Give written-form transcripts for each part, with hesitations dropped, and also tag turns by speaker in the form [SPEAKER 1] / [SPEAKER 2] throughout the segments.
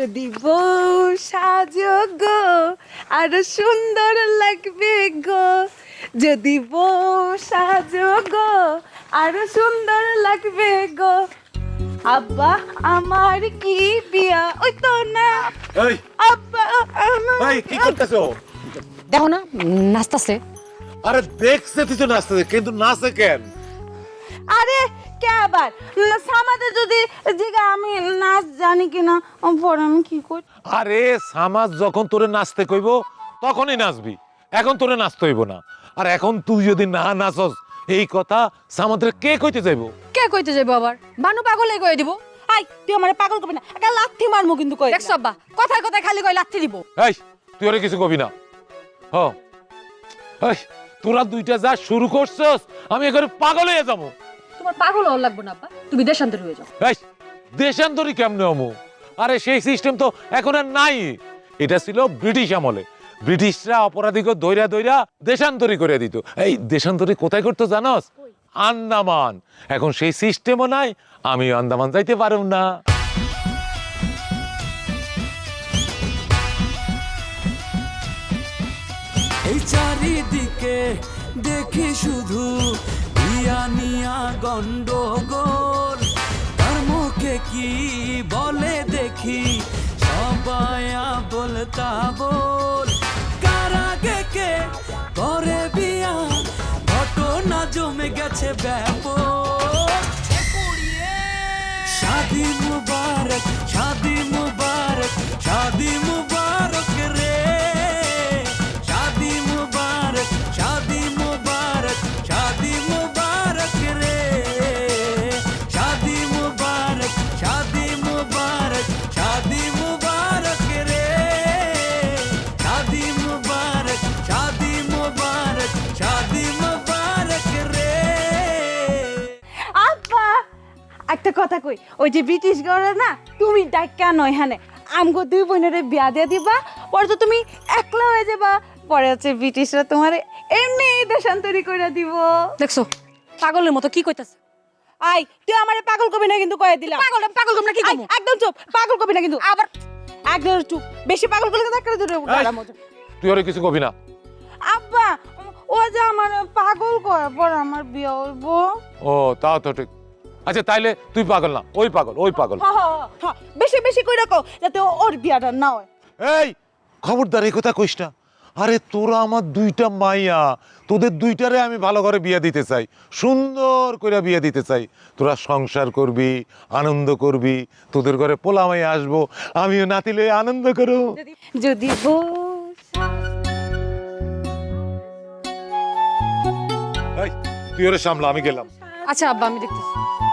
[SPEAKER 1] যদি বউ সাজো গো আরো সুন্দর লাগবে গো, যদি বউ সাজো গো আরো সুন্দর লাগবে গো। আব্বা আমার কি বিয়া ওই তো না।
[SPEAKER 2] এই
[SPEAKER 1] আব্বা আমার
[SPEAKER 2] এই কি করতেছো?
[SPEAKER 3] দেখো না নাচতাছে।
[SPEAKER 2] আরে দেখছে তুই তো নাচতে, কিন্তু নাচে কেন?
[SPEAKER 1] আরে কে আবার সামাদে যদি জিগা আমি নাচ জানি কিনা পরে আমি কি করি।
[SPEAKER 2] আরে সামাজ যখন তোরে নাচতে কইব তখনই নাচবি, এখন তোরে নাচতে হইব না। আর এখন তুই যদি না নাচস এই কথা সামাদের কে কইতে যাইব?
[SPEAKER 3] কে কইতে যাইবো আবার? বানু পাগলে কই দিব।
[SPEAKER 1] আই তুই আমারে পাগল করবি না, একটা লাথি মারমু কিন্তু কই।
[SPEAKER 3] দেখছ আব্বা কথায় কথায় খালি কই লাথি দিব।
[SPEAKER 2] এই তুই ওরে কিছু কবি না। হ এই তোরা দুইটা যা শুরু করছস আমি এখানে পাগল হয়ে যাবো।
[SPEAKER 3] তোমার পাগল হওয়ার লাগবে না আব্বা, তুমি দেশান্তরী হয়ে যাও।
[SPEAKER 2] এই দেশান্তরী কেমনে হমু? আরে সেই সিস্টেম তো এখন আর নাই। এটা ছিল ব্রিটিশ আমলে, ব্রিটিশরা অপরাধীকে দইরা দইরা দেশান্তরী করে দিত। এই দেশান্তরী কোথায় করতো জানোস? আন্দামান। এখন সেই সিস্টেমও নাই, আমি আন্দামান যাইতে পারব না।
[SPEAKER 4] এই চারিদিকে দেখি শুধু ইয়ানিয়া গন্ডগোল, তার মুখে কি বলে দেখি সবাই বলতা বল। কারাগে কে করে বিয়া ঘটনা জমে গেছে ব্যাপক। শাদি মুবারক শাদি মুবারক শাদি মুবারক রে, শাদি মুবারক শাদি মুবারক শাদি মুবারক রে, শাদি মুবারক শাদি মুবারক শাদি মুবারক রে, শাদি মুবারক শাদি মুবারক শাদি মুবারক রে।
[SPEAKER 1] আব্বা একটা কথা কই, ওই যে ব্রিটিশ গড়ে না তুমি ডাক্কা নয় হ্যাঁ আমগো দুই বোনের বিয়া দিয়ে দিবা, পরে তো তুমি একলা হয়ে যাবা, পরে হচ্ছে ব্রিটিশরা তোমার এমনি দেশান্তরী করে দিব।
[SPEAKER 3] দেখছো পাগলের মতো কি কইতাছে।
[SPEAKER 1] আই তুই আমারে পাগল করবি না কিন্তু কয়ে দিলাম।
[SPEAKER 3] পাগল পাগল তোমরা কি
[SPEAKER 1] আই,
[SPEAKER 3] কমু?
[SPEAKER 1] একদম চুপ, পাগল করবি না কিন্তু আবার একদম চুপ। বেশি পাগল করলে তো একটা দূরে
[SPEAKER 2] তুই ওরে কিছু কবি না।
[SPEAKER 1] আব্বা ও যে আমার পাগল করে পর আমার বিয়ে হইব।
[SPEAKER 2] ও তাও তো ঠিক। আচ্ছা তাইলে তুই পাগল না, ওই পাগল ওই পাগল।
[SPEAKER 1] বেশি বেশি কইরা কও যাতে ওর বিয়াটা না হয়।
[SPEAKER 2] এই খবরদার এই কথা কইস না। আরে তোরা আমার দুইটা মাইয়া, তোদের দুইটারে আমি ভালো করে বিয়ে দিতে চাই, সুন্দর করে বিয়ে দিতে চাই। তোরা সংসার করবি, আনন্দ করবি, তোদের ঘরে পোলা মাইয়া আসবো, আমিও নাতিলে আনন্দ করো।
[SPEAKER 1] যদি
[SPEAKER 2] এই তুই ওরে সামলা, আমি গেলাম।
[SPEAKER 3] আচ্ছা আব্বা আমি দেখতেছি।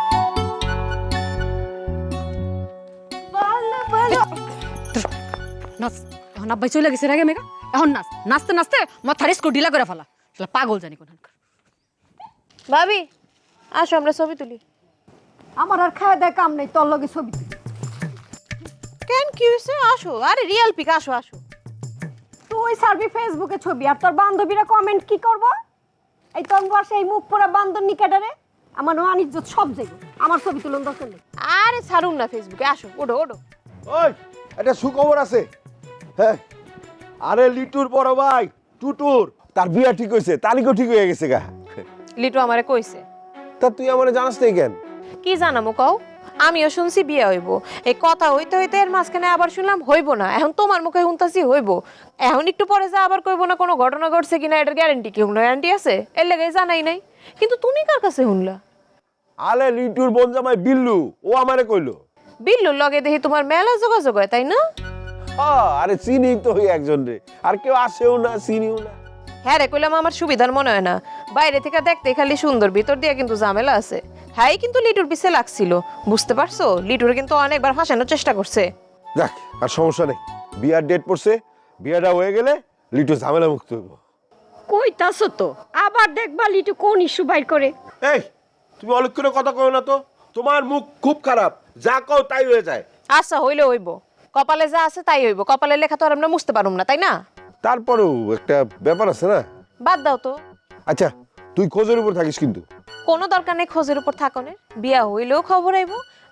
[SPEAKER 3] নাচ এখন আব্বাই চলে গেছে রেগে মেগা, এখন নাচ। নাচতে নাচতে মাথার স্কুল ঢিলা করে ফেলা, শালা পাগল জানি কোন।
[SPEAKER 5] ভাবি আসো আমরা ছবি তুলি।
[SPEAKER 6] আমার আর খায় দেয় কাম নেই, তোর লগে ছবি তুলি।
[SPEAKER 5] কেন কি হয়েছে? আসো, আরে রিয়েল পিক, আসো আসো।
[SPEAKER 6] তুই সার্ভি ফেসবুকে ছবি আর তোর বান্ধবীরা কমেন্ট কি করব? এই তোর বসে এই মুখ পোড়া বান্দর নিকেটারে আমার অনিজ্জত সব যাইব। আমার ছবি তুলন দরকার নেই।
[SPEAKER 5] আরে ছাড়ুন না ফেসবুকে, আসো ওঠো ওঠো।
[SPEAKER 7] ওই একটা সুখবর আছে। হ্যাঁ, আরে লিটুর বড় ভাই টুটুর তার বিয়া ঠিক হয়েছে, তারিখও ঠিক হয়ে গেছে গা।
[SPEAKER 5] লিটু আমারে কইছে।
[SPEAKER 7] তা তুই আমারে জানাস নাই কেন?
[SPEAKER 5] কি জানামো কও? আমিও শুনছি বিয়ে হইব, এই কথা হইতে হইতে এর মাঝখানে আবার শুনলাম হইব না। এখন তোমার মুখে শুনতাছি হইব, এখন একটু পরে যা আবার কইব না কোনো ঘটনা ঘটছে কিনা এটার গ্যারান্টি কি? কোনো গ্যারান্টি আছে? এর লেগে জানাই নাই। কিন্তু তুমি কার কাছে শুনলা?
[SPEAKER 7] আলে লিটুর বোন জামাই বিল্লু, ও আমারে কইলো।
[SPEAKER 5] বিল্লুর লগে দেখি তোমার মেলা যোগাযোগ হয়, তাই না?
[SPEAKER 7] আরে চিনি তো হই একজন রে, আর কেউ আসেও না চিনিও না।
[SPEAKER 5] হ্যাঁ রে, কইলাম আমার সুবিধার মনে হয় না। বাইরে থেকে দেখতে খালি সুন্দর, ভিতর দিয়ে কিন্তু ঝামেলা আছে। হ্যাঁ কিন্তু লিটুর পিছে লাগছিল, বুঝতে পারছো? লিটুর কিন্তু অনেকবার ফাঁসানোর চেষ্টা করছে।
[SPEAKER 7] দেখ আর সমস্যা নেই, বিয়ার ডেট পড়ছে, বিয়াটা হয়ে গেলে লিটু ঝামেলা মুক্ত হইব।
[SPEAKER 6] কইতাছো তো আবার দেখবা লিটু কোন ইস্যু বাইর করে।
[SPEAKER 7] এই তুমি অনেক করে কথা কও না তো, তোমার মুখ খুব খারাপ, যা কও তাই হয়ে যায়।
[SPEAKER 5] আচ্ছা হইলে হইব, কপালে যা আছে তাই হইব। কপালের লেখা তো আর আমরা মুছতে পারুম না, তাই না?
[SPEAKER 7] তারপরেও একটা ব্যাপার আছে না।
[SPEAKER 5] বাদ দাও তো।
[SPEAKER 7] আচ্ছা তুই খোঁজের উপর থাকিস কিন্তু।
[SPEAKER 5] কোনো দরকার নেই খোঁজের উপর থাকনের। বিয়া হইলেও খবর আইব,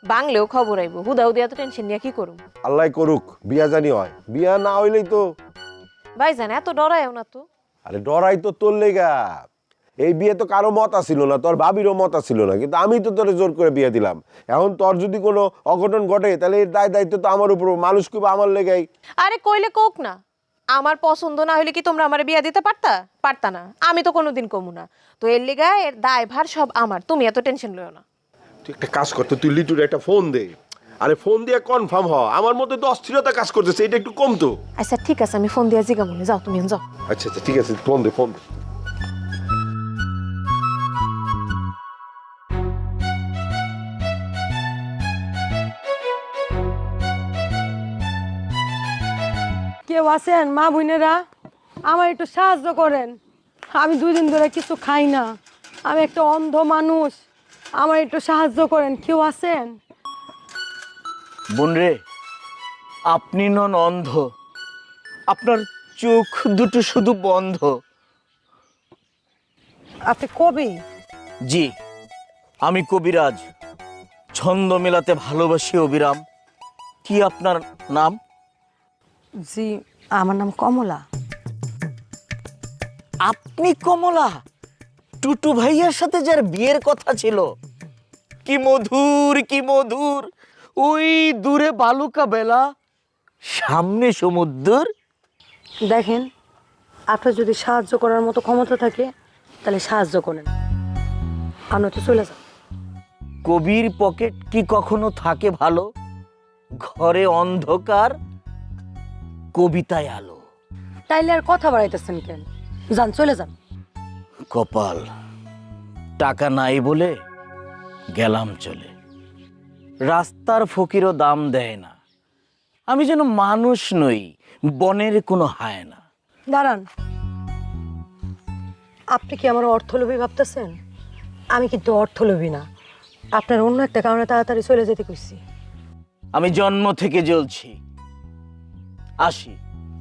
[SPEAKER 5] বাংলেও খবর আইব, হুদা হুদি এত টেনশন নিয়ে কি করুম?
[SPEAKER 7] আল্লাহ করুক বিয়া জানি হয়, বিয়া না হইলেই তো।
[SPEAKER 5] ভাইজান এত ডরায়ও না তো।
[SPEAKER 7] আরে ডরাই তো তোর লেগা, এই বিয়ে তো কারো মত আসিল না, তোর ভাবিরও মত আসিল না, কিন্তু আমি তো তোরে জোর করে বিয়ে দিলাম। এখন তোর যদি কোনো অঘটন ঘটে তাহলে এর দায়িত্ব তো আমার উপর, মানুষ কিবা আমার লেগাই।
[SPEAKER 5] আরে কইলে কোক না, আমার পছন্দ না হইলে কি তোমরা আমার বিয়া দিতে পারতা না? আমি তো কোনোদিন কমু না, তো এর লিগা এর দায়ভার সব আমার, তুমি এত টেনশন লইও না।
[SPEAKER 7] তুই একটা কাজ করতে, তুই লিটুর একটা ফোন দে। আরে ফোন দিয়ে কনফার্ম হ, আমার মধ্যে তো অস্থিরতা কাজ করতেছে, এটা একটু কম তো।
[SPEAKER 5] আচ্ছা ঠিক আছে, আমি ফোন দিয়া জিগা মনে, যাও তুমি যাও।
[SPEAKER 7] আচ্ছা আচ্ছা ঠিক আছে, ফোন দে ফোন দে।
[SPEAKER 6] কেউ আছেন মা বোনেরা? আমার একটু সাহায্য করেন, আমি 2 দিন ধরে কিছু খাই না, আমি একটা অন্ধ মানুষ, আমার একটু সাহায্য করেন, কেউ আছেন?
[SPEAKER 8] বোন রে, আপনি নন অন্ধ, আপনার চোখ দুটো শুধু বন্ধ।
[SPEAKER 6] আপনি কবি?
[SPEAKER 8] জি, আমি কবিরাজ, ছন্দ মেলাতে ভালোবাসি অবিরাম। কি আপনার নাম?
[SPEAKER 6] জি, আমার নাম কমলা।
[SPEAKER 8] আপনি কমলা? টুটু ভাইয়ার সাথে যার বিয়ের কথা ছিল, কি মধুর কি মধুর, ওই দূরে বালুকা বেলা, সামনে সমুদ্র।
[SPEAKER 6] দেখেন, আপনার যদি সাহায্য করার মতো ক্ষমতা থাকে তাহলে সাহায্য করেন, আমি তো চলে যাব।
[SPEAKER 8] কবির পকেট কি কখনো থাকে ভালো? ঘরে অন্ধকার, কবিতায় আলো।
[SPEAKER 6] তাইলে আর কথা বাড়াইতেছেন কেন? যান, চলে যান।
[SPEAKER 8] কপাল, টাকা নাই বলে গেলাম চলে। রাস্তার ফকিরও দাম দেয় না, আমি যেন মানুষ নই, বনের কোনো হায়না।
[SPEAKER 6] দাঁড়ান, আপনি কি আমার অর্থলোভী ভাবতেছেন? আমি কিন্তু অর্থলোভী না, আপনার অন্য একটা কারণে তাড়াতাড়ি চলে যেতে কইছি।
[SPEAKER 8] আমি জন্ম থেকে জ্বলছি, আসি।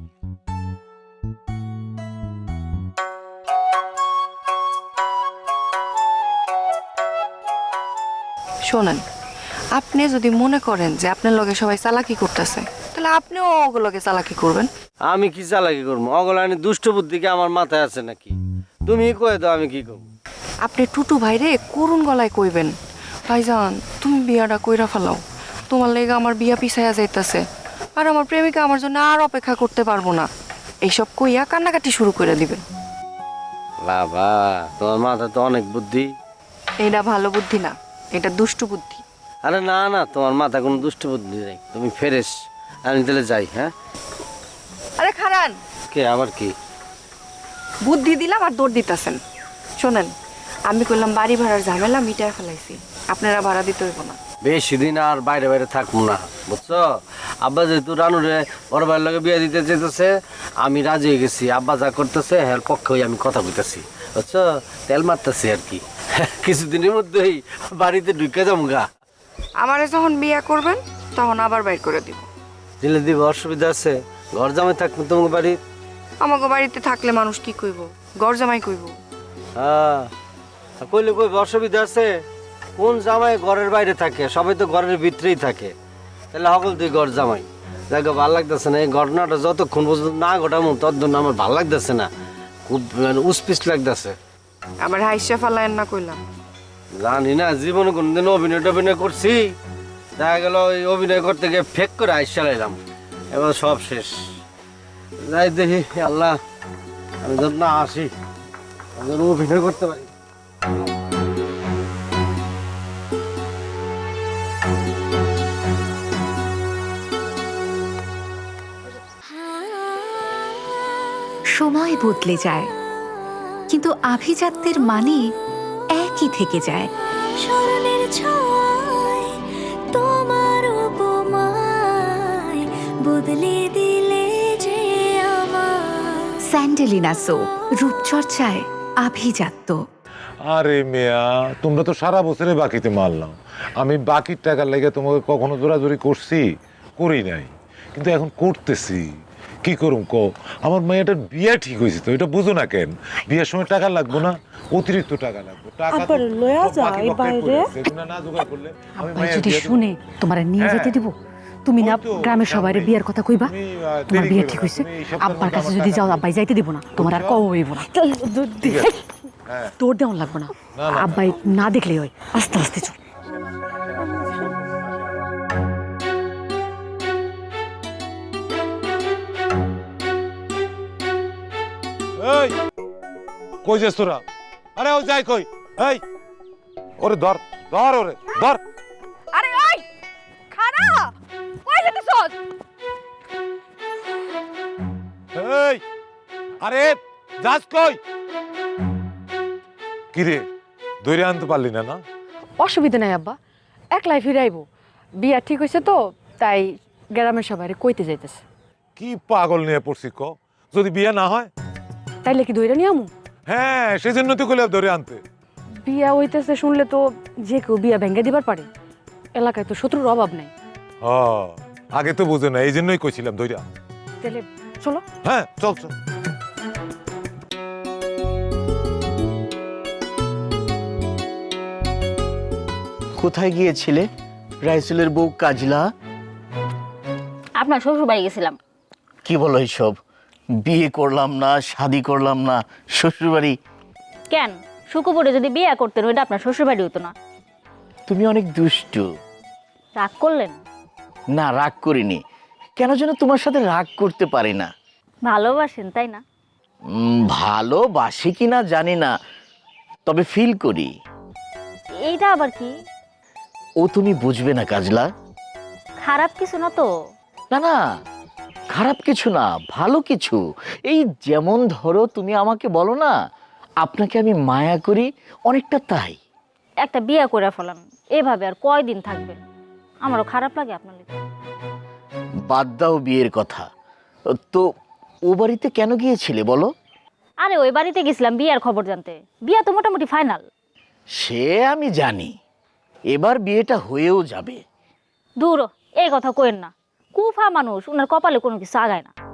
[SPEAKER 9] শোনেন, আপনি যদি মনে করেন যে আপনার লগে সবাই চালাকি করতেছে, তাহলে আপনিও ওগুলোকে চালাকি করবেন।
[SPEAKER 10] আমি কি চালাকি করবো? অগলানি দুষ্ট বুদ্ধিকে আমার মাথায় আছে নাকি? তুমি কয়ে দাও আমি কি করবো?
[SPEAKER 9] আপনি টুটু ভাইরে করুণ গলায় কইবেন, ভাইজান তুমি বিয়াটা কইরা ফেলাও, তোমার লেগে আমার বিয়া পিছাইয়া যাইতাছে, আর আমার প্রেমিকা আমার জন্য আর অপেক্ষা করতে পারবো না। এইসব কইয়া কান্নাকাটি শুরু করে দিবেন।
[SPEAKER 10] বাবা, তোমার মাথা তো অনেক বুদ্ধি।
[SPEAKER 9] এটা ভালো বুদ্ধি না, এটা দুষ্টু বুদ্ধি।
[SPEAKER 10] আরে না না, তোমার মাথা কোনো দুষ্ট বুদ্ধি নেই, তুমি ফেরেস। আমি তাহলে যাই। হ্যাঁ,
[SPEAKER 9] আরে খারান,
[SPEAKER 10] কে আবার কি?
[SPEAKER 9] বুদ্ধি দিলাম আর দৌড় দিতেছেন। শোনেন, আমি কইলাম বাড়ি ভাড়ার ঝামেলা মিটায় ফেলাইছি, আপনারা ভাড়া দিতে হইব না।
[SPEAKER 10] বেশি দিন আর বাইরে বাইরে থাকবো না, বুঝছো? আব্বা যেহেতু রানুরে বড় ভাইয়ের লগে বিয়ে দিতে চেয়েছে, আমি রাজি হয়ে গেছি। আব্বা যা করতেছে এর পক্ষে হয়ে আমি কথা বলতেছি, বুঝছো? তেল মারতেছি আর কি। কিছুদিনের মধ্যেই বাড়িতে ঢুকে যাবো গা।
[SPEAKER 9] আমারে যখন বিয়া করবেন তখন আবার বাইর করে দিব।
[SPEAKER 10] দিলে দিব, অসুবিধা আছে? ঘর জামাই থাকবো তোমাকে বাড়ি।
[SPEAKER 9] আমাকে বাড়িতে থাকলে মানুষ কি কইব? ঘর জামাই কইব।
[SPEAKER 10] হ্যাঁ, কইলে কইব, অসুবিধা আছে? কোন জামাই ঘরের বাইরে থাকে? সবাই তো ঘরের ভিতরেই থাকে। তাহলে সকল তুই ঘর জামাই। দেখো ভালো লাগতেছে না এই ঘটনাটা, যতক্ষণ পর্যন্ত না ঘটামো ততক্ষণ আমার ভালো লাগতেছে না, খুব মানে উসপিস লাগতেছে।
[SPEAKER 9] আমার হাইসা ফালায়েন না কইলাম।
[SPEAKER 10] জানি না, জীবনে কোনদিন অভিনয় করছি? দেখা গেল ওই অভিনয় করতে গিয়ে ফেক করে আইস চালাইলাম, এবার সব শেষ। যাই দেখি, আল্লাহ আমি যত না আসি আমি যেন অভিনয় করতে পারি।
[SPEAKER 11] সময় বদলে যায়, কিন্তু আভিজাত্যের মানে একই থেকে যায়। স্মরণের ছোঁয়ায় তোমার উপমায় বদলে দিলে যে আমার। স্যান্ডেলিনা সো, রূপচর্চায় আভিজাত্য।
[SPEAKER 2] আরে মেয়া, তোমরা তো সারা বছরে বাকিতে মারলাম, আমি বাকির টাকার লেগে তোমাকে কখনো জোরাজোরি করছি? করি নাই, কিন্তু এখন করতেছি। কি করুম কো, আমার মেয়েটার বিয়ে ঠিক হয়েছে তো, এটা বুঝো না কেন? বিয়ের সময় টাকা লাগবে না, অতিরিক্ত টাকা লাগবে। টাকা তো
[SPEAKER 6] আবার লয়া
[SPEAKER 2] সব
[SPEAKER 6] যায়
[SPEAKER 2] বাকি বকেট
[SPEAKER 6] বাইরে।
[SPEAKER 2] পড়ে আছে, এগুলো না জোগাড় করলে আমি
[SPEAKER 3] আব্বাই
[SPEAKER 2] মেয়ের
[SPEAKER 3] যদি
[SPEAKER 2] বিয়ে দেব।
[SPEAKER 3] শুনে তোমার নিয়ে
[SPEAKER 2] হ্যাঁ।
[SPEAKER 3] যেতে দিব, তুমি না
[SPEAKER 2] ওই তো,
[SPEAKER 3] গ্রামের সবাই
[SPEAKER 2] সামনেই।
[SPEAKER 3] বিয়ের কথা কইবা
[SPEAKER 2] তুমি,
[SPEAKER 3] তোমার
[SPEAKER 2] দেরি
[SPEAKER 3] বিয়ে
[SPEAKER 2] করো
[SPEAKER 3] ঠিক
[SPEAKER 2] না,
[SPEAKER 3] হয়েছে।
[SPEAKER 2] তুমি এই সপ্তাহের
[SPEAKER 3] আব্বার
[SPEAKER 2] মধ্যে
[SPEAKER 3] কাছে
[SPEAKER 2] আমার
[SPEAKER 3] যদি
[SPEAKER 2] টাকা
[SPEAKER 3] যাও
[SPEAKER 2] দিবে।
[SPEAKER 3] আব্বাই যাইতে দিব না, তোমার আর কও হইব না।
[SPEAKER 2] হ্যাঁ।
[SPEAKER 3] তোর দেওয়ান লাগবে না,
[SPEAKER 2] না, না।
[SPEAKER 3] আব্বাই না দেখলেই হয়। আস্তে আস্তে চল।
[SPEAKER 2] এই কই যাস তোরা? আরে ও যাই কই? এই ওরে ধর ধর, ওরে ধর।
[SPEAKER 3] আরে ওই খাড়া কই যেতেছস?
[SPEAKER 2] এই আরে যাস কই? কি রে, ধরে আনতে পারলি না? না
[SPEAKER 3] অসুবিধা নাই আব্বা, একলাই ফিরে আইবো। বিয়া ঠিক হয়েছে তো, তাই গ্রামের সবাই কইতে যাইতেছে।
[SPEAKER 2] কি পাগল নিয়ে পড়ছি ক? যদি বিয়ে না হয়?
[SPEAKER 3] তাইলে কি দইরা নিয়ে আমু?
[SPEAKER 2] হ্যাঁ, সেজন্য তো কইলাম ধরে আনতে।
[SPEAKER 3] বিয়া হইতেছে শুনলে তো যে কেউ বিয়া ভেঙে দিবার পারে। এলাকায় তো শত্রুর অভাব নাই।
[SPEAKER 2] আগে তো বুঝে না, এই জন্যই কইছিলাম ধরে আন।
[SPEAKER 3] তাহলে চলো।
[SPEAKER 2] হ্যাঁ চল চল।
[SPEAKER 8] কোথায় গিয়েছিলে রাইসুলের বউ কাজলা?
[SPEAKER 12] আপনার শ্বশুর বাড়ি গেছিলাম।
[SPEAKER 8] কি বলো এইসব? বিয়ে করলাম না, শাদি করলাম না, শ্বশুরবাড়ি?
[SPEAKER 12] কেন, শুকুপুরে যদি বিয়ে করতেন ওইটা আপনার শ্বশুর বাড়ি হতো না?
[SPEAKER 8] তুমি অনেক দুষ্টু।
[SPEAKER 12] রাগ করলেন?
[SPEAKER 8] না, রাগ করিনি। কেন যেন তোমার সাথে রাগ করতে পারি না।
[SPEAKER 12] ভালোবাসেন তাই না?
[SPEAKER 8] ভালোবাসি কিনা জানি না, তবে ফিল করি।
[SPEAKER 12] এইটা আবার কি?
[SPEAKER 8] ও তুমি বুঝবে না কাজলা।
[SPEAKER 12] খারাপ কিছু না তো?
[SPEAKER 8] না না, খারাপ কিছু না, ভালো কিছু। এই যেমন ধরো তুমি আমাকে বলো না আপনাকে আমি মায়া করি, অনেকটা তাই।
[SPEAKER 12] একটা বিয়ে করে ফেলান, এভাবে আর কয়দিন থাকবেন? আমারও খারাপ লাগে আপনার লিগে।
[SPEAKER 8] বাদ দাও বিয়ের কথা। তো ও বাড়িতে কেন গিয়েছিলে বলো?
[SPEAKER 12] আরে ওই বাড়িতে গেছিলাম বিয়ের খবর জানতে। বিয়া তো মোটামুটি ফাইনাল।
[SPEAKER 8] সে আমি জানি, এবার বিয়েটা হয়েও যাবে।
[SPEAKER 12] দূর, এই কথা কইেন না। কুফা মানুষ, ওনার কপালে কোনো কিছু আগায় না।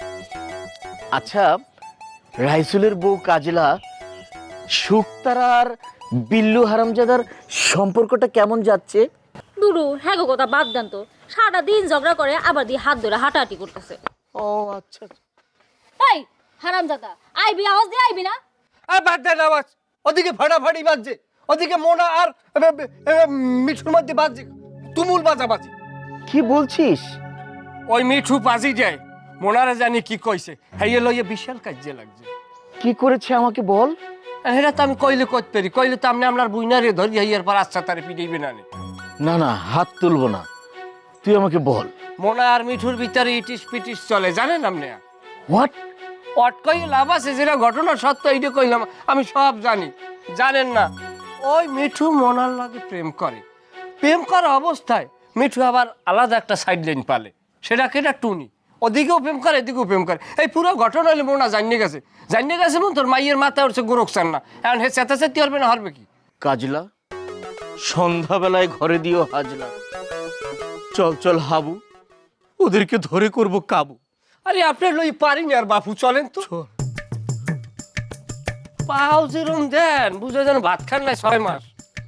[SPEAKER 8] আচ্ছা, রাইসুলের বউ কাজলা, শুকতারা আর বিল্লু হারামজাদার সম্পর্কটা কেমন যাচ্ছে?
[SPEAKER 12] দুরু হ্যাঁ গো, কথা বাদ দেন তো। সারা দিন ঝগড়া করে, আবার দিয়ে হাত ধরে হাঁটাহাঁটি করতেছে।
[SPEAKER 8] ও আচ্ছা।
[SPEAKER 12] এই হারামজাদা, আইবি, আওয়াজ দিয়ে আইবি না?
[SPEAKER 10] আর বাদ দেন আওয়াজ। ওদিকে ফাটাফাটি বাজছে, ওদিকে মোনা আর মিঠুর মধ্যে বাজছে তুমুল বাজাবাজি।
[SPEAKER 8] কি বলছিস?
[SPEAKER 10] ওই মিঠু বাজি যায়, মোনারে জানি কি কইছে, হাইয়ে লইয়ে বিশাল কাজে লাগছে।
[SPEAKER 8] কি করেছে আমাকে বল।
[SPEAKER 10] হেরা তো আমি কইলে কইতে পারি, কইলে তো আপনি আপনার বুইনারে ধরি হাইয়ার পর আচ্ছা তারে পিটাইবে না।
[SPEAKER 8] না না, হাত তুলবো না, তুই আমাকে বল।
[SPEAKER 10] মোনা আর মিঠুর ভিতরে ইটিস পিটিস চলে, জানেন আপনি?
[SPEAKER 8] হোয়াট?
[SPEAKER 10] অট কই লাভ আছে? যেটা ঘটনা সত্য এইটা কইলাম, আমি সব জানি। জানেন না, ওই মিঠু মোনার লাগে প্রেম করে। প্রেম করা অবস্থায় মিঠু আবার আলাদা একটা সাইড লাইন পালে, সেটা কেটা টুনি। ওদিকেও প্রেম করে, এদিকেও প্রেম করে। এই পুরো ঘটনা হলে মোনা জানিয়ে গেছে। জানিয়ে গেছে মন তোর মাইয়ের মাথা উঠছে গোরকসান না, এখন হে চেতাচেতি হবে না, হারবে কি?
[SPEAKER 8] কাজলা, সন্ধ্যাবেলায় ঘরে দিও হাজলা। চল চল হাবু, ওদেরকে ধরে করব কাবু।
[SPEAKER 10] আরে আপনার লই পারিনি আর বাপু, চলেন তো। পাও যেরম দেন, বুঝে যেন ভাত খান নাই 6 মাস।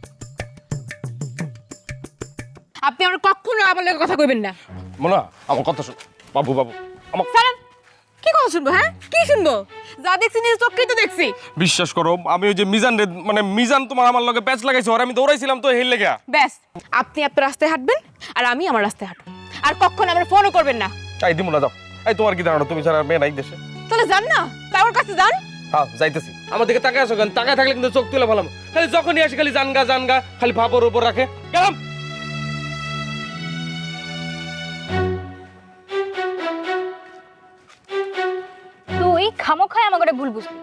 [SPEAKER 3] আপনি আমার কখনো আমার লগে কথা কইবেন না।
[SPEAKER 13] মোনা, আমার কথা শোন। বাবু বাবু, আমার
[SPEAKER 3] সালাম। কি কথা শুনবো? হ্যাঁ, কি শুনবো? যা দেখছি নিজের চোখেই তো দেখছি।
[SPEAKER 13] বিশ্বাস করো, আমি ওই যে মিজান মানে মিজান তোমার আমার লগে প্যাচ লাগাইছে, আর আমি দৌড়াইছিলাম তো হেল লেগা।
[SPEAKER 1] ব্যাস, আপনি আপনার রাস্তায় হাঁটবেন আর আমি আমার রাস্তায় হাঁটবো। আর কখনো আমার ফোনও করবেন না।
[SPEAKER 13] এই দিমু না, যাও। এই তোমার কি ধারণা, তুমি ছাড়া মেয়ে নাই দেশে?
[SPEAKER 1] তাহলে যান না, তার কাছে যান।
[SPEAKER 13] হ্যাঁ যাইতেছি। আমার দিকে তাকায় আসো কেন? তাকায় থাকলে কিন্তু চোখ তুলে ভালো। খালি যখনই আসি খালি জানগা জানগা, খালি ভাবর উপর রাখে। গেলাম।
[SPEAKER 12] তুই খামোখায় আমাকে ভুল বুঝলি।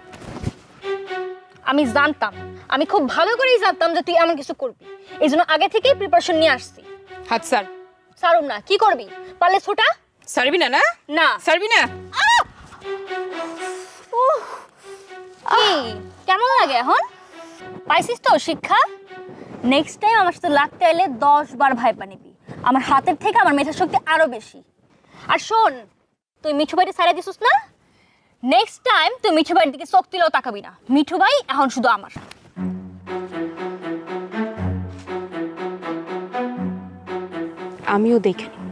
[SPEAKER 12] আমি জানতাম, আমি খুব ভালো করেই জানতাম যে তুই এমন কিছু করবি। এই জন্য আগে থেকেই প্রিপারেশন নিয়ে আসছি।
[SPEAKER 1] হাত স্যার।
[SPEAKER 12] সারুম না, কি করবি? পারলে ছোটা।
[SPEAKER 1] সারবি না? না
[SPEAKER 12] না
[SPEAKER 1] সারবি না।
[SPEAKER 12] কি কেমন লাগে এখন? পাইছিস তো শিক্ষা? নেক্সট টাইম আমার সাথে লাগতে এলে 10 বার ভাইপা নিবি। আমার হাতের থেকে আমার মেধা শক্তি আরো বেশি। আর শোন, তুই মিঠু ভাইকে ছাড়া দিছিস না, নেক্সট টাইম তুই মিঠু ভাইয়ের দিকে চোখ দিলেও তাকাবি না। মিঠু ভাই এখন শুধু আমার।
[SPEAKER 3] আমিও দেখে নিই।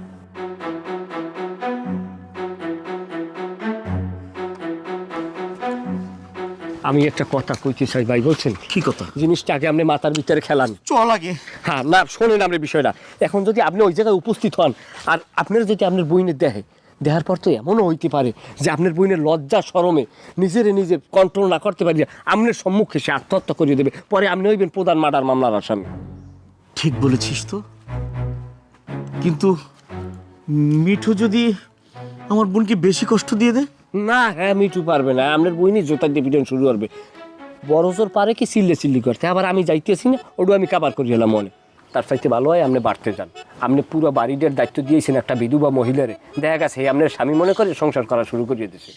[SPEAKER 8] আমি একটা কথা কইতে চাই ভাই, বলছেন কি কথা? জিনিসটা আগে আপনি মাথার ভিতরে খেলান চল আগে। হ্যাঁ না, শোনেন আপনি বিষয়টা। এখন যদি আপনি ওই জায়গায় উপস্থিত হন আর আপনার যদি আপনার বইনের দেখার পর তো এমনও হইতে পারে যে আপনার বইনের লজ্জা শরমে নিজে কন্ট্রোল না করতে পারি, আপনার সম্মুখে সে আত্মহত্যা করিয়ে দেবে, পরে আপনি হইবেন প্রধান মার্ডার মামলার আসামি।
[SPEAKER 14] ঠিক বলেছিস তো, কিন্তু মিঠু যদি আমার বোনকে বেশি কষ্ট দিয়ে দেয়?
[SPEAKER 8] না, হ্যাঁ মিঠু পারবে না, আপনার বইনি জোতা দিয়ে পিটন শুরু করবে। বড় জোর পারে কি চিল্লি করতে, আবার আমি যাইতেছি না ওটু আমি কাবার করি এলাম মনে। তার চাইতে ভালো হয় আপনি বাড়তে যান। আপনি পুরো বাড়িটার দায়িত্ব দিয়েছেন একটা বিধবা মহিলারে, দেখা গেছে আপনার স্বামী মনে করে সংসার করা শুরু করিয়ে দিয়েছে।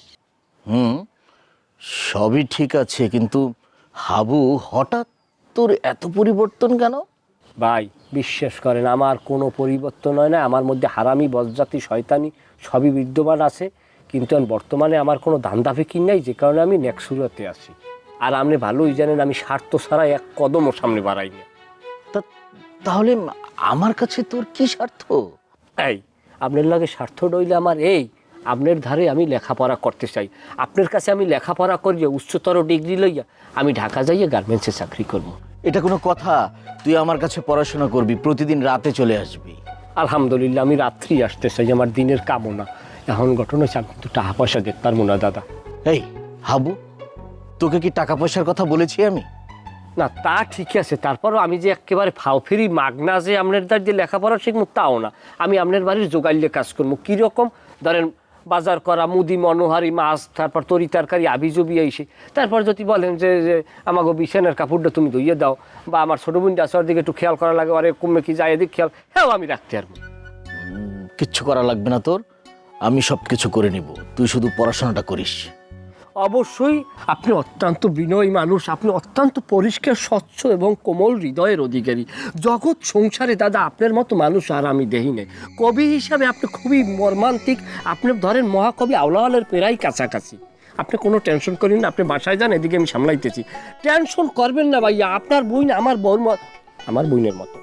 [SPEAKER 14] সবই ঠিক আছে, কিন্তু হাবু হঠাৎ তোর এত পরিবর্তন কেন?
[SPEAKER 8] ভাই বিশ্বাস করেন, আমার কোনো পরিবর্তন হয় না। আমার মধ্যে হারামি, বজ্জাতি, শয়তানি সবই বিদ্যমান আছে, কিন্তু বর্তমানে আমার কোনো ধান্দা ফিকির নাই, যে কারণে আমি নেক্সুরাতে আছি। আর আপনি ভালোই জানেন আমি স্বার্থ ছাড়া এক কদমও সামনে বাড়াই না।
[SPEAKER 14] তাহলে আমার কাছে তোর কি স্বার্থ?
[SPEAKER 8] এই আপনার লাগে স্বার্থ রইলে আমার এই, আপনার ধারে আমি লেখাপড়া করতে চাই। আপনার কাছে আমি লেখাপড়া করিয়া উচ্চতর ডিগ্রি লইয়া আমি ঢাকা যাইয়া গার্মেন্টসে চাকরি করব।
[SPEAKER 14] এটা কোনো কথা? তুই আমার কাছে পড়াশোনা করবি, প্রতিদিন রাতে চলে আসবি।
[SPEAKER 8] আলহামদুলিল্লাহ, আমি রাত্রি আসতে চাই, আমার দিনের কামনা। এখন ঘটনা হচ্ছে আমি কিন্তু টাকা পয়সা দিতে পারবো না দাদা।
[SPEAKER 14] এই হাবু, তোকে কি টাকা পয়সার কথা বলেছি আমি?
[SPEAKER 8] না তা ঠিক আছে, তারপরও আমি যে একেবারে ফাওফেরি মাগনা যে আপনার দ্বার যে লেখাপড়া শিখবো তাও না। আমি আপনার বাড়ির জোগাইলে কাজ করবো। কীরকম ধরেন বাজার করা, মুদি মনোহারি, মাছ, তারপর তরি তরকারি আবিজবি এসে, তারপর যদি বলেন যে আমাকে বিছানার কাপড়টা তুমি ধুইয়ে দাও, বা আমার ছোটো বোনটা আসার দিকে একটু খেয়াল করা লাগে, আরে কমে কি যায় এদিক খেয়াল, হ্যাঁ আমি রাখতে পারবো।
[SPEAKER 14] কিচ্ছু করা লাগবে না তোর, আমি সব কিছু করে নিব, তুই শুধু পড়াশোনাটা করিস।
[SPEAKER 8] অবশ্যই আপনি অত্যন্ত বিনয়ী মানুষ, আপনি অত্যন্ত পরিষ্কার, স্বচ্ছ এবং কোমল হৃদয়ের অধিকারী। জগৎ সংসারে দাদা আপনার মতো মানুষ আর আমি দেখি নাই। কবি হিসাবে আপনি খুবই মর্মান্তিক, আপনি ধরেন মহাকবি আউলাওয়ালের পেরাই কাছাকাছি। আপনি কোনো টেনশন করেন না, আপনি বাসায় যান, এদিকে আমি সামলাইতেছি। টেনশন করবেন না ভাইয়া, আপনার বই না আমার বইনের মতো।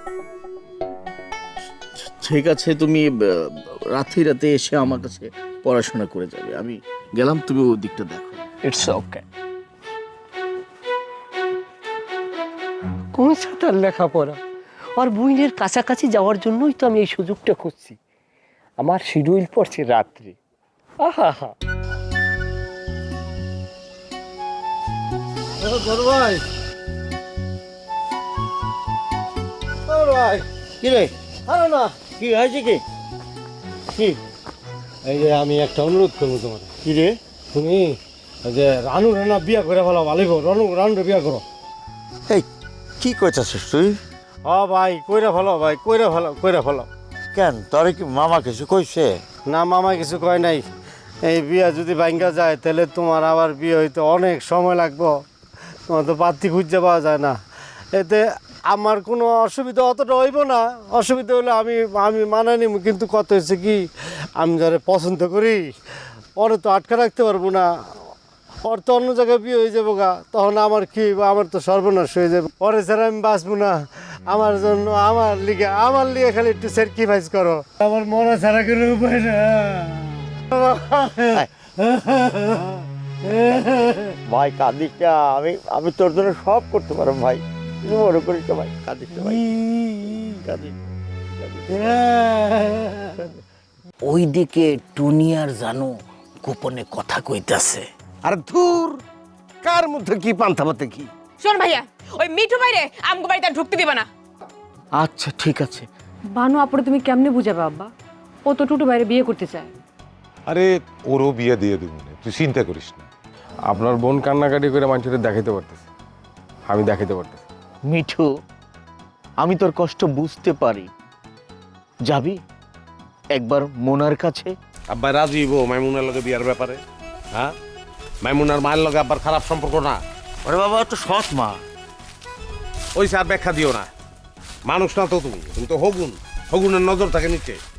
[SPEAKER 14] ঠিক আছে, তুমি রাতে এসে আমার কাছে পড়াশোনা করে যাবে, আমি গেলাম, তুমি ওই দিকটা দেখো।
[SPEAKER 8] It's okay. কোন সাঁতার লেখাপড়া আর বইনের কাছাকাছি যাওয়ার জন্যই তো আমি এই সুযোগটা খুঁজছি। আমার শিডিউল পড়ছে রাত্রি। আহা হা
[SPEAKER 10] ভাই
[SPEAKER 14] কি রে?
[SPEAKER 10] আরে না,
[SPEAKER 14] কি হয়েছে? কি
[SPEAKER 10] এই যে আমি একটা অনুরোধ করবো তোমার।
[SPEAKER 14] কি রে?
[SPEAKER 10] তুমি যে রানু রানা বিয়া করে ফেলো, ভালোই রানুরে বিয়া করো।
[SPEAKER 14] এই কি কইতাছিস তুই?
[SPEAKER 10] ভাই কইরা ফেলো, ভাই কইরা ফেলো।
[SPEAKER 14] কেন, তোর কি মামা কিছু কইছে?
[SPEAKER 10] না, মামা কিছু কয় নাই। এই বিয়া যদি ভাঙ্গা যায় তাহলে তোমার আবার বিয়ে হইতে অনেক সময় লাগবো, তোমার তো পাত্রী খুঁজে পাওয়া যায় না। এতে আমার কোনো অসুবিধা অতটা হইব না। অসুবিধা হলে আমি মানায় নিব, কিন্তু কত হচ্ছে কি, আমি যারা পছন্দ করি ওরে তো আটকা রাখতে পারবো না। ওর তো অন্য জায়গায় বিয়ে হয়ে যাবো গা, তখন আমার কি হইব, আমার তো সর্বনাশ হয়ে যাবে। পরে ছাড়া আমি বাঁচবো না। আমার জন্য আমার লিগে খালি একটু স্যাক্রিফাইস করো, আমার মরা ছাড়া কোনো উপায় না।
[SPEAKER 14] ভাই কাঁদিস না, আমি তোর জন্য সব করতে পারবো ভাই, তুমি মনে করিস ভাই, কাঁদিস না ভাই, কাঁদিস। ওইদিকে টুনিয়ার জানো গোপনে কথা কইতাছে।
[SPEAKER 8] আর ধুর, কার মধ্যে কি পান্তা পাতে কি?
[SPEAKER 1] শোন ভাইয়া, ওই মিঠু বাইরে আমগো বাড়িতে আর ঢুকতে দিবা না।
[SPEAKER 14] আচ্ছা ঠিক আছে।
[SPEAKER 3] বানু আপুরে তুমি কেমনে বুঝাবে আব্বা? ও তো টুটু বাইরে বিয়ে করতে চায়।
[SPEAKER 2] আরে ওরও বিয়ে দিয়ে দেবো না, তুই চিন্তা করিস না।
[SPEAKER 13] আপনার বোন কান্নাকাটি করে মানুষের দেখাইতে পারতেছে, আমি দেখাইতে পারতেছি।
[SPEAKER 14] মিঠু, আমি তোর কষ্ট বুঝতে পারি, যাবি একবার মোনার কাছে?
[SPEAKER 7] আব্বা রাজি হইব মাইমুনার লগে বিয়ার ব্যাপারে? হ্যাঁ, মাইমুনার মায়ের লগে আব্বার খারাপ সম্পর্ক না?
[SPEAKER 14] ওরে বাবা, তো সৎ মা।
[SPEAKER 7] ওই স্যার ব্যাখ্যা দিও না, মানুষ না তো তুমি তো হগুনের নজর থাকে নিচে।